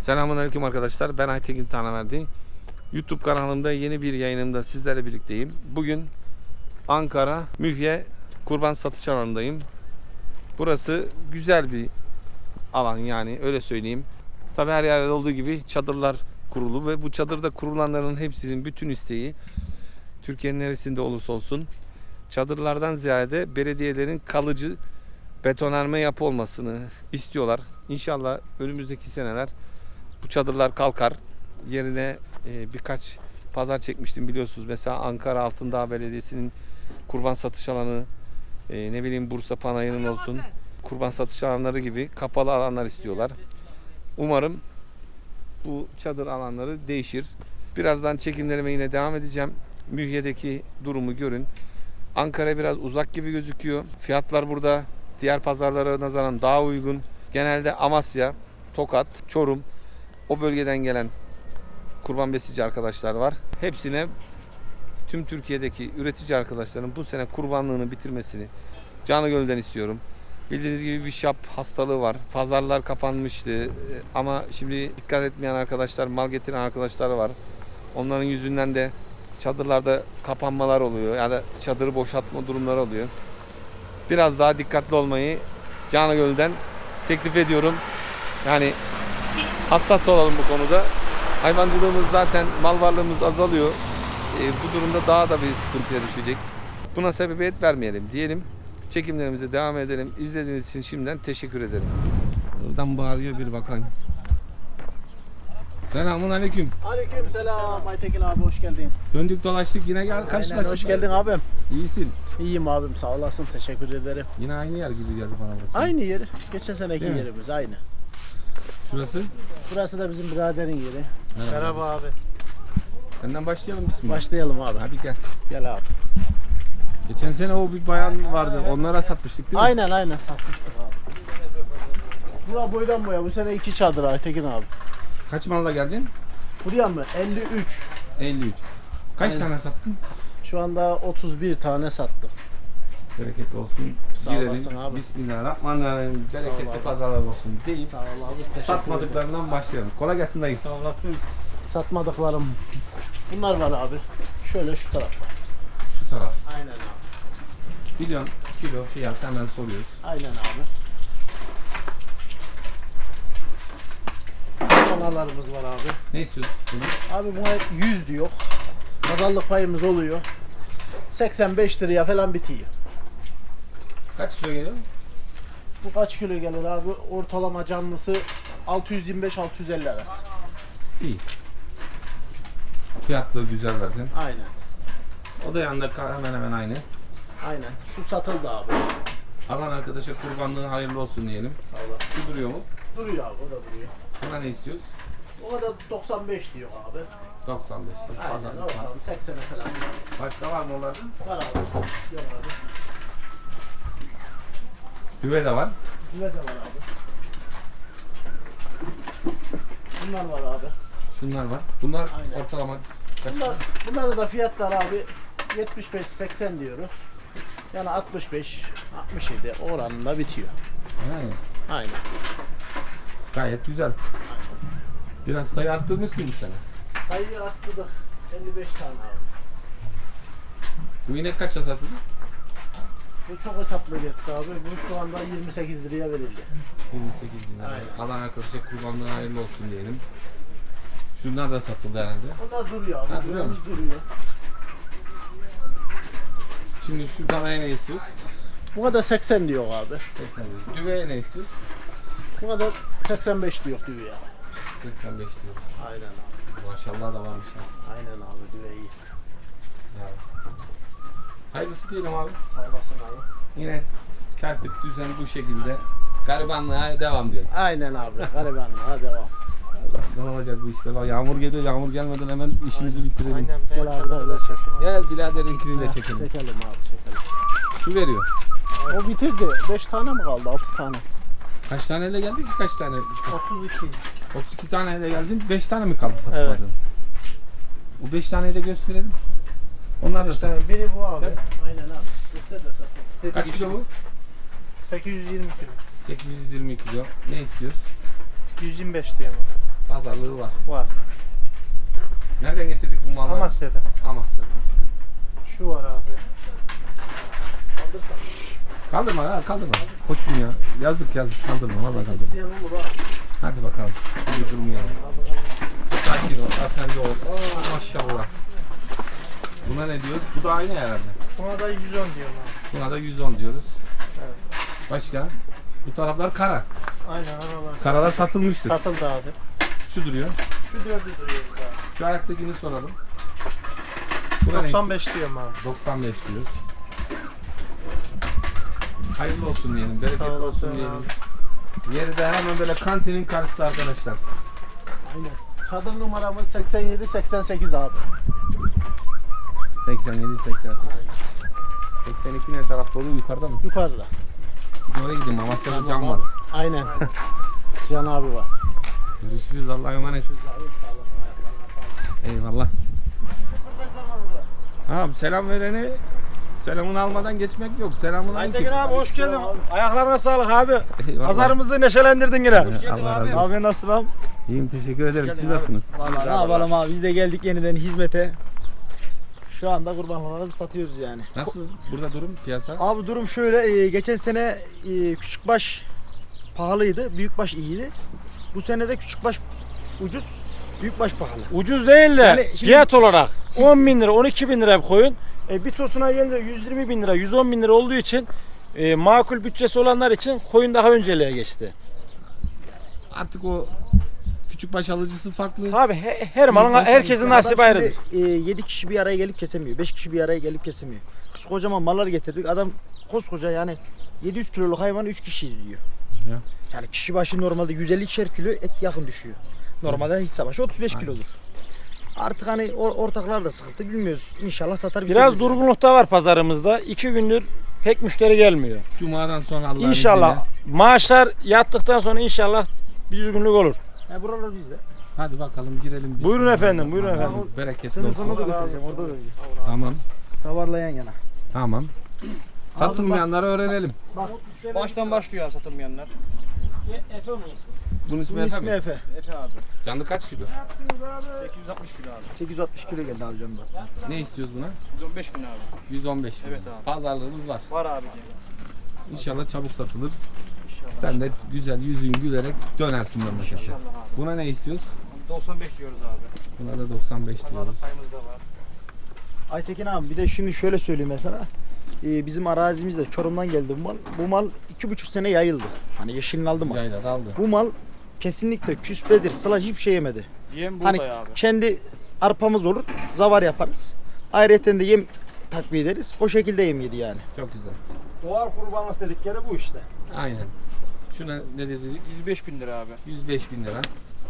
Selamünaleyküm arkadaşlar. Ben Aytekin Tanaverdi. YouTube kanalımda yeni bir yayınımda sizlerle birlikteyim. Bugün Ankara Mühye kurban satış alanındayım. Burası güzel bir alan, yani öyle söyleyeyim. Tabi her yerde olduğu gibi çadırlar kurulu ve bu çadırda kurulanların hepsinin bütün isteği Türkiye'nin neresinde olursa olsun çadırlardan ziyade belediyelerin kalıcı betonarme yapı olmasını istiyorlar. İnşallah önümüzdeki seneler bu çadırlar kalkar. Yerine birkaç pazar çekmiştim biliyorsunuz. Mesela Ankara Altındağ Belediyesi'nin kurban satış alanı, ne bileyim Bursa Panayır'ın olsun, kurban satış alanları gibi kapalı alanlar istiyorlar. Umarım bu çadır alanları değişir. Birazdan çekimlerime yine devam edeceğim. Mühye'deki durumu görün. Ankara biraz uzak gibi gözüküyor. Fiyatlar burada diğer pazarlara nazaran daha uygun. Genelde Amasya, Tokat, Çorum, o bölgeden gelen kurban besici arkadaşlar var. Hepsine tüm Türkiye'deki üretici arkadaşların bu sene kurbanlığını bitirmesini canı gönülden istiyorum. Bildiğiniz gibi bir şap hastalığı var. Pazarlar kapanmıştı ama şimdi dikkat etmeyen arkadaşlar, mal getiren arkadaşlar var. Onların yüzünden de çadırlarda kapanmalar oluyor ya da çadırı boşaltma durumları oluyor. Biraz daha dikkatli olmayı canı gönülden teklif ediyorum. Yani hassas olalım bu konuda. Hayvancılığımız zaten, mal varlığımız azalıyor. Bu durumda daha da bir sıkıntıya düşecek. Buna sebebiyet vermeyelim diyelim. Çekimlerimize devam edelim. İzlediğiniz için şimdiden teşekkür ederim. Buradan bağırıyor, bir bakayım. Selamun aleyküm. Aleyküm selam Aytekin abi, hoş geldin. Döndük dolaştık, yine gel karşılaştık. Hoş geldin abim. İyisin. İyiyim abim, sağ olasın, teşekkür ederim. Yine aynı yer gibi geldi bana burası. Aynı yer, geçen seneki Değil mi? yerimiz aynı. Şurası? Burası da bizim biraderin yeri. Merhaba abi. Senden başlayalım bismillah. Başlayalım abi. Hadi gel. Gel abi. Geçen sene o bir bayan vardı. Onlara satmıştık değil mi? Aynen satmıştık abi. Bura boydan boya, bu sene 2 çadır Aytekin abi. Kaç malla geldin? Buraya mı? 53. 53. Kaç Aynen. tane sattın? Şu anda 31 tane sattım. Bereketli olsun. Sağ olasın Girelim. abi. Bismillahirrahmanirrahim. Sağ ol Bereketli abi. pazarlar olsun deyip Sağ ol abi. teşekkür satmadıklarından başlayalım. Kolay gelsin dayı. Sağ olasın. Satmadıklarım. Bunlar var abi. Şöyle şu taraf var. Şu taraf. Aynen abi. Milyon kilo fiyat hemen soruyoruz. Aynen abi. Kanalarımız var abi. Ne istiyorsun bunu? Abi buna 100 diyor. Pazarlık payımız oluyor. 85 liraya falan bitiyor. Kaç kilo geliyor? Bu kaç kilo gelir abi? Ortalama canlısı 625-650 arası. İyi. Fiyatlı güzel verdin. Aynen. O da yanında hemen hemen aynı. Aynen. Şu satıldı abi. Alan arkadaşa kurbanlığı hayırlı olsun diyelim. Sağ olasın. Şu duruyor mu? Duruyor abi, o da duruyor. Buna ne istiyoruz? O da 95 diyor abi. 95 lira. Aynen. Pazarlık var. Ortalama 80'e falan. Başka var mı onlarda? Var abi. Gel abi. Düve de var. Bunlar da var abi. Bunlar var abi. Şunlar var. Bunlar Aynen. ortalama kaç? Bunların da fiyatlar abi 75-80 diyoruz. Yani 65-67 oranında bitiyor. Yani Aynen. gayet güzel. Biraz sayı arttırmışsın bu sene. Sayıyı arttırdık. 55 tane abi. Bu inek kaça satıldı? Bu çok hesaplı gitti abi. Bu şu anda 28 liraya verildi. 28 bin lira. Aynen. Alan arkadaşa kurbanlığı hayırlı olsun diyelim. Şunlar da satıldı herhalde. Onlar duruyor abi. Ha, duruyor mu? Duruyor. Şimdi şu danaya ne istiyoruz? Buna da 80 diyor abi. 80 diyoruz. Düveye ne istiyoruz? Buna da 85 diyor düve ya. 85 diyoruz. Aynen abi. Maşallah da varmış ha. Aynen abi, düve iyi. Ya. Hayırlısı diyelim abi. Sağ olasın abi. Yine tertip düzen bu şekilde. Garibanlığa devam diyelim. Aynen abi. Garibanlığa devam. Ne olacak bu işte? Bak yağmur geliyor. Yağmur gelmeden hemen işimizi bitirelim. Aynen. Gel abi da çekelim. Gel biraderinkini de çekelim. Çekelim abi, çekelim. Su veriyor. O bitirdi. 5 tane mi kaldı? 6 tane. Kaç taneyle geldi ki kaç tane? 32. 32 taneyle geldin. 5 tane mi kaldı satmadın? Evet. O 5 taneyi de gösterelim. Onlar da satılsın. Biri bu abi. Değil mi? Aynen abi. Göster de satalım. Kaç kilo bu? 820 kilo. 820 kilo. Ne istiyoruz? 125 diyor ama. pazarlığı var. Var. Nereden getirdik bu malları? Amasya'da. Amasya'dan. Şu var abi. Kaldırsan. Kaldırma ha, kaldırma. Koçum ya. Yazık kaldırma. Vallahi kaldırma. İsteyen olur ha. Hadi bakalım. Bir durmayalım. Sakin ol, efendi ol. Oo, maşallah. Buna ne diyoruz? Bu da aynı herhalde. Buna da 110 diyorum abi. Buna da 110 diyoruz. Evet. Başka? Bu taraflar kara. Aynen aralar. Karalar satılmıştır. Satıldı abi. Şu duruyor. Şu 4'ü duruyor abi. Şu ayaktakini soralım. Buna ne? 95 diyorum abi. 95 diyoruz. Hayırlı olsun diyelim, bereketli Sağ olsun olasın diyelim. abi. Yeri de hemen böyle kantinin karşısı arkadaşlar. Aynen. Çadır numaramız 87-88 abi. 87, 88. 82 ne tarafta oluyor? Yukarıda mı? Yukarıda. Oraya gideyim. Amasya'da cam var. Aynen. Can abi var. Görüşürüz. Allah'a emanet. Eyvallah. Abi selam vereni selamını almadan geçmek yok. Selamun Aytekin aleyküm. abi hoş geldin. Ayaklarına sağlık abi. Eyvallah. Pazarımızı neşelendirdin yine. Allah razı olsun. Abi nasılsın abi? İyiyim, teşekkür ederim. Siz nasılsınız? Vallahi ne yapalım abi biz de geldik yeniden hizmete. Şu anda kurbanları satıyoruz yani. Nasıl burada durum, piyasa? Abi durum şöyle geçen sene küçükbaş pahalıydı, büyükbaş iyiydi. Bu sene de küçükbaş ucuz, büyükbaş pahalı. Ucuz değil de Yani şimdi- fiyat olarak 10 bin lira 12 bin lira bir koyun. Bir tosuna gelince 120 bin lira 110 bin lira olduğu için makul bütçesi olanlar için koyun daha önceliğe geçti. Artık o küçük baş alıcısı farklı. Tabi her malın Büyükbaş herkesin alıcısı. nasibi ayrıdır. 7 kişi bir araya gelip kesemiyor, 5 kişi bir araya gelip kesemiyor. Biz kocaman mallar getirdik, adam koskoca yani 700 kiloluk hayvanı 3 kişi izliyor. Ya. Yani kişi başı normalde 150'şer kilo et yakın düşüyor. Normalde hiç savaşı 35 kilodur. Artık hani ortaklar da sıkıntı bilmiyoruz. İnşallah satar Biraz bitiririz. durgunlukta da var pazarımızda. 2 gündür pek müşteri gelmiyor. Cuma'dan sonra Allah'ın İnşallah izniyle. maaşlar yattıktan sonra inşallah bir düzgünlük olur. Ya buralar bizde. Hadi bakalım girelim. Buyurun efendim, buyurun Allah'ın efendim. Bereketli Sınıfını olsun. da götüreceğim orada da. Tamam. Tavarla yan yana. Tamam. Satılmayanları öğrenelim. Baştan başlıyor satılmayanlar. Efe mi ismi? Bunun ismi Bunun Efe ismi mi? Efe. Efe abi. Canlı kaç kilo? 860 kilo abi. 860 kilo geldi abi canımdan. Ne istiyoruz buna? 115 bin abi. 115 bin. Evet abi. Pazarlığımız var. Var abi. İnşallah çabuk satılır. Sen de güzel yüzün gülerek dönersin memlekete. İnşallah abi. Buna ne istiyoruz? 95 diyoruz abi. Buna da 95 diyoruz. Pazarlık payımız da var. Aytekin abi bir de şimdi şöyle söyleyeyim mesela. Bizim arazimizde Çorum'dan geldi bu mal. Bu mal 2,5 sene yayıldı. Hani yeşilini aldı mı? Yayla da aldı. Bu mal kesinlikle küspedir, sılaj hiçbir şey yemedi. Yem Hani buğday abi. kendi arpamız olur, zavar yaparız. Ayrıca de yem takviye ederiz. O şekilde yem yedi yani. Çok güzel. Doğal kurbanlık dedikleri bu işte. Aynen. Şuna ne dedik? 105 bin lira abi. 105 bin lira.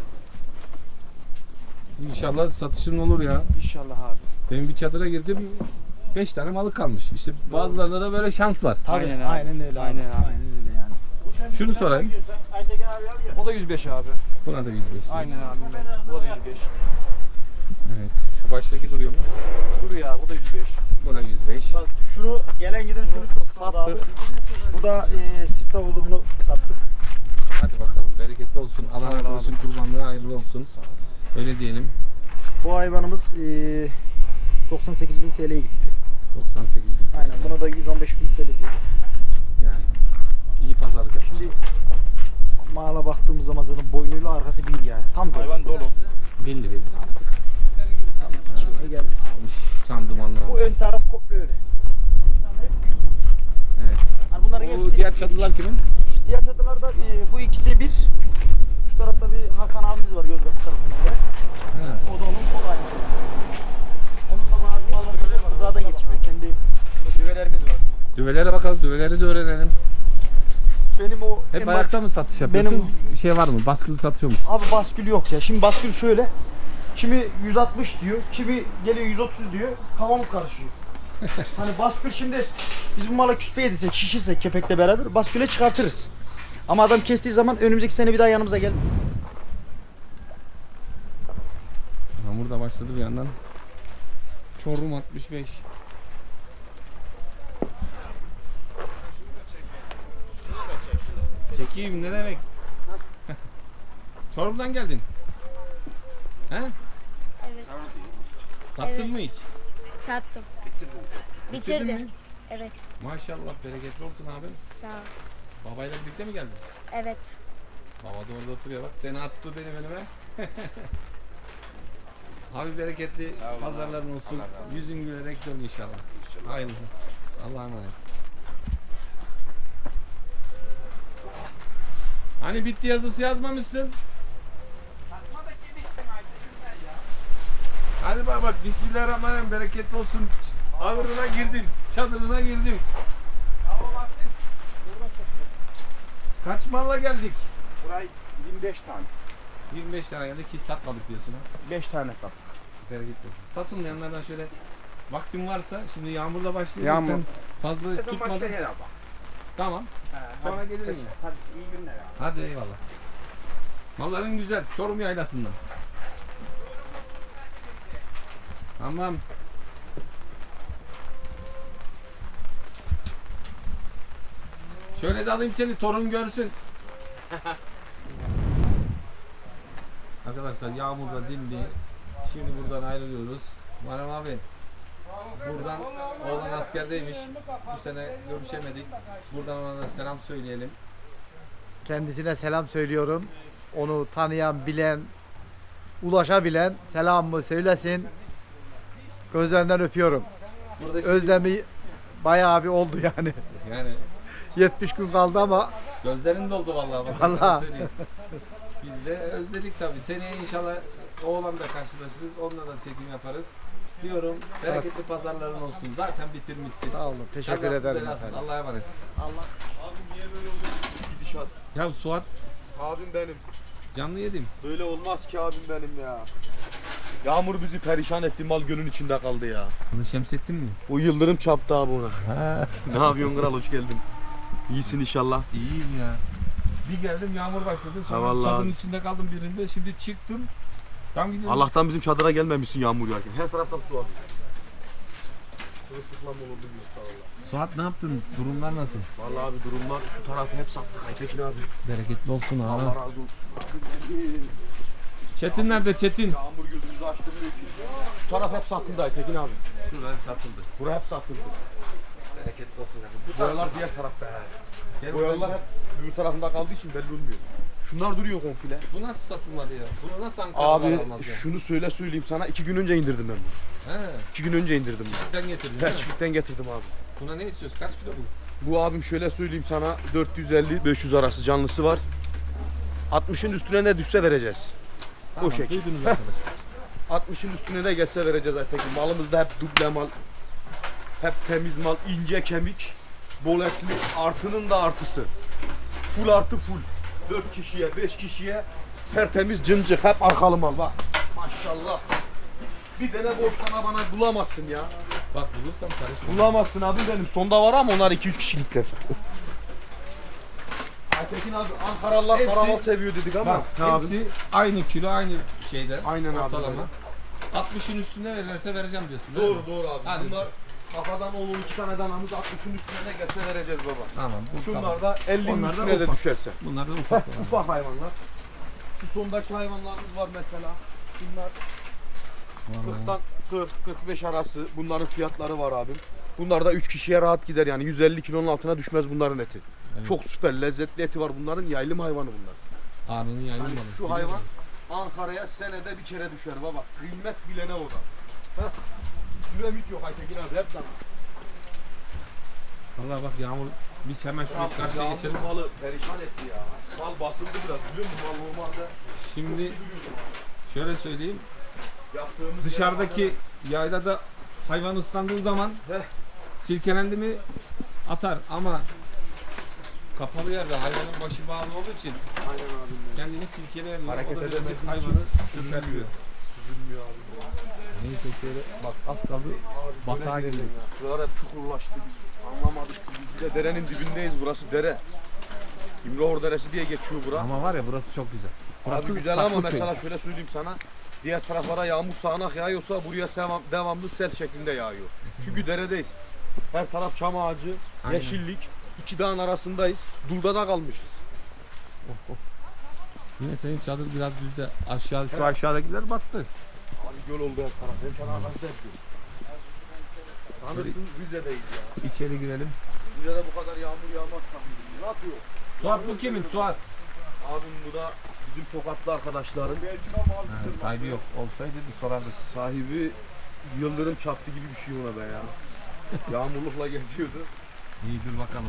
İnşallah satışın olur ya. İnşallah abi. Benim bir çadıra girdim. 5 tane malı kalmış. İşte bazılarında da böyle şans var. Tabii, Aynen abi. aynen öyle. Aynen abi. Aynen öyle yani. Şunu sorayım. O da 105 abi. Buna da 105. diyoruz. Aynen abi. Bu da 105. Evet. Şu baştaki duruyor mu? Duruyor abi. Bu da 105. Buna 105. Bak şunu gelen giden şunu çok sattık abi. Bu da siftah oldu, bunu sattık. Hadi bakalım. Bereketli olsun. Sağ ol Allah arkadaşın kurbanlığı hayırlı olsun. Öyle diyelim. Bu hayvanımız 98.000 TL'ye gitti. 98 bin TL. Aynen, buna da 115.000 TL diyor. Yani iyi pazarlık yapmışsın. Şimdi mala baktığımız zaman zaten boynuyla arkası bir yani. Tam dolu. Hayvan dolu. Belli artık. Tam içine geldi. Almış. Sandımanlar Bu almış. ön taraf komple öyle. Evet. Yani bunların Bu hepsi diğer çadılar kimin? diğer çatılarda bu ikisi bir. Şu tarafta bir Hakan abimiz var Yozgat tarafından gelen. Ha. O da onun, o da aynı şey. Onun da bazı malları rızadan yetişmiyor. Kendi Düvelerimiz var. Düvelere bakalım. Düveleri de öğrenelim. benim o Hep en ayakta mı satış yapıyorsun? benim- Şey var mı? Baskül satıyor musun? Abi baskül yok ya. Şimdi baskül şöyle. Kimi 160 diyor, kimi geliyor 130 diyor. Kafamız karışıyor. Hani baskül şimdi biz bu mala küspe yedirsek, şişirsek kepekle beraber basküle çıkartırız. Ama adam kestiği zaman önümüzdeki sene bir daha yanımıza gel. Hamur da başladı bir yandan. Çorum 65. Çekeyim ne demek? Çorum'dan geldin. He? Evet. Sattın Evet. mı hiç? Sattım. Bitirdin Bitirdim. mi? Evet. Maşallah bereketli olsun abi. Sağ ol. Babayla birlikte mi geldin? Evet. Baba da orada oturuyor bak. Seni attı benim önüme. Abi bereketli pazarların olsun. Yüzün gülerek dön inşallah. Hayırlı. Allah'a emanet. Hani bitti yazısı yazmamışsın? Hadi bak Bismillahirrahmanirrahim, bereketli olsun. Ağırına girdim, çadırına girdim. Kaç malla geldik? Burayı 25 tane. 25 tane geldi ki satmadık diyorsun ha. 5 tane sat. Bereketli olsun. Satılmayanlardan şöyle vaktin varsa, şimdi yağmurla başlayacak, Yağmur. sen fazla tutmadın. yere bak. Tamam. Sonra gelirim yine. Hadi iyi günler ya. Hadi eyvallah. Malların güzel. Çorum yaylasından. Tamam. Şöyle de alayım seni, torun görsün. Arkadaşlar yağmur da dindi. Şimdi buradan ayrılıyoruz. Muharrem abi. Buradan oğlan askerdeymiş. Bu sene görüşemedik. Buradan ona da selam söyleyelim. Kendisine selam söylüyorum. Onu tanıyan, bilen, ulaşabilen selamımı söylesin. Gözlerinden öpüyorum. Burada şimdi, Özlemi bayağı bir oldu yani. yani 70 gün kaldı ama gözlerin doldu vallahi. Bak, sana Vallahi. söyleyeyim. Biz de özledik tabii. Seneye inşallah oğlanla karşılaşırız. Onunla da çekim yaparız. Diyorum bereketli pazarların olsun. Zaten bitirmişsin. sağ olun. Teşekkür Kazasız ederim belasız. efendim. Allah'a emanet. Gidişat. Ya Suat Abim benim. canlı yedim. Böyle olmaz ki abim benim ya. Yağmur bizi perişan etti, mal gölün içinde kaldı ya. Bunu Şemsettin mi? O yıldırım çarptı abi ona. Ne yapıyorsun kral, hoş geldin. İyisin inşallah. İyiyim ya. Bir geldim yağmur başladı. Sonra Ha, vallahi. çadırın içinde kaldım birinde. Şimdi çıktım. Tam gidiyorum. Allah'tan bizim çadıra gelmemişsin yağmur yağarken. Her taraftan su var. Sırılsıklam olurdu bir valla. Suat ne yaptın? Durumlar nasıl? Vallahi abi durumlar, şu tarafı hep sattık Aytekin abi. Bereketli olsun ha. Allah razı olsun. Çetin nerede Çetin? Yağmur gözümüzü açtırmıyor ki. Şu taraf hep satıldı Aytekin abi. Şurada hep satıldı. Bura hep satıldı. Bereketli olsun. Bu boyalar diğer tarafta yani. Boyalar hep öbür tarafında kaldığı için belli olmuyor. Şunlar duruyor komple. Bu nasıl satılmadı ya? Bunu nasıl Ankara'dan Abi almaz ya? şunu söyleyeyim sana, 2 gün önce indirdim ben bunu. He. 2 gün önce indirdim bunu. Çiftlikten getirdin değil mi? Çiftlikten getirdim abi. Buna ne istiyorsun? Kaç kilo bu? Bu abim şöyle söyleyeyim sana, 450-500 arası canlısı var. 60'ın üstüne ne düşse vereceğiz. Tamam, şekil. duydunuz arkadaşlar. 60'ın üstüne de gelse vereceğiz Aytekin. Malımızda hep duble mal, hep temiz mal, ince kemik, bol etli, artının da artısı. Full artı full. 4 kişiye, 5 kişiye tertemiz cıncık, hep arkalı mal bak. Maşallah. Bir tane boş tane bana bulamazsın ya. Bak bulursam karışma. Bulamazsın abi benim. Sonda var ama onlar 2-3 kişilikler. Aytekin abi Ankaralılar Hepsi- karamal seviyor dedik ama. Bak Ne abi? hepsi aynı kilo aynı şeyden. Aynen abi, ortalama. öyle. 60'ın üstüne verirlerse vereceğim diyorsun değil mi? Doğru abi. Hadi. Bunlar kafadan 10-12 tane danamız 60'ın üstüne de gelse vereceğiz baba. Tamam. Bu Şunlar tamam. da 50'nin Onlar da üstüne de ufak. düşerse. Bunlar da ufak. olan. Ufak hayvanlar. Şu sondaki hayvanlarımız var mesela. Bunlar 40'tan 40-45 arası bunların fiyatları var abim. Bunlar da 3 kişiye rahat gider yani 150 kilonun altına düşmez bunların eti. Evet. Çok süper lezzetli eti var bunların, yaylım hayvanı bunlar. Ağrının yaylım Yani malı. şu hayvan Ankara'ya senede bir kere düşer baba. Kıymet bilene o da. Heh. Düremit yok Aytekin abi, hep dana. Vallahi bak yağmur, biz hemen şuraya karşıya Yağmur geçelim. malı perişan etti ya. Mal basıldı biraz, biliyor musun? Mal normalde Şimdi şöyle söyleyeyim. yaptığımız Dışarıdaki yaylada hayvan ıslandığı zaman Heh. silkelendi mi atar ama kapalı yerde hayvanın başı bağlı olduğu için Aynen abim benim. kendini silkeleyemiyor. Hareket O da edemediği birazcık için hayvanı üzülmüyor. sürtüyor. Üzülmüyor abi. Neyse şöyle bak az kaldı batağa Böyle girdik. gidelim ya. Şuralar hep çukurlaştı. Anlamadık. Biz de derenin dibindeyiz. Burası dere. İmrahor Deresi diye geçiyor bura. Ama var ya burası çok güzel. Burası Abi güzel ama Saklıköy. mesela şöyle söyleyeyim sana. Diğer taraflara yağmur sağanak yağıyorsa buraya devamlı sel şeklinde yağıyor. Çünkü deredeyiz. Her taraf çam ağacı, Aynen. yeşillik. İki dağın arasındayız. Dulda da kalmışız. Yine senin çadır biraz düzde. Aşağı şu aşağıdakiler battı. Hani göl oldu her taraf. Hem kenar arkadaşlar yapıyor. Sanırsın Rize'deyiz ya. İçeri girelim. Rize'de bu kadar yağmur yağmaz tahmin. Nasıl yok? Suat bu kimin? Suat. Abim bu da bizim Tokatlı arkadaşların. Sahibi yok. Olsaydı sorardık. Sahibi yıldırım çarptı gibi bir şey ona be ya. Yağmurlukla geziyordu. İyi dur bakalım.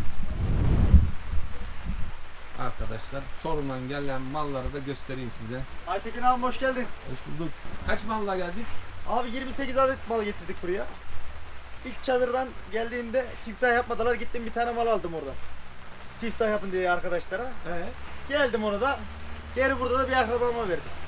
Arkadaşlar Çorum'dan gelen malları da göstereyim size. Aytekin abi hoş geldin. Hoş bulduk. Kaç malla geldik? Abi 28 adet mal getirdik buraya. İlk çadırdan geldiğimde siftah yapmadılar. Gittim bir tane mal aldım orada. Siftah yapın diye arkadaşlara. Geldim onu da. Geri burada da bir akrabama verdim.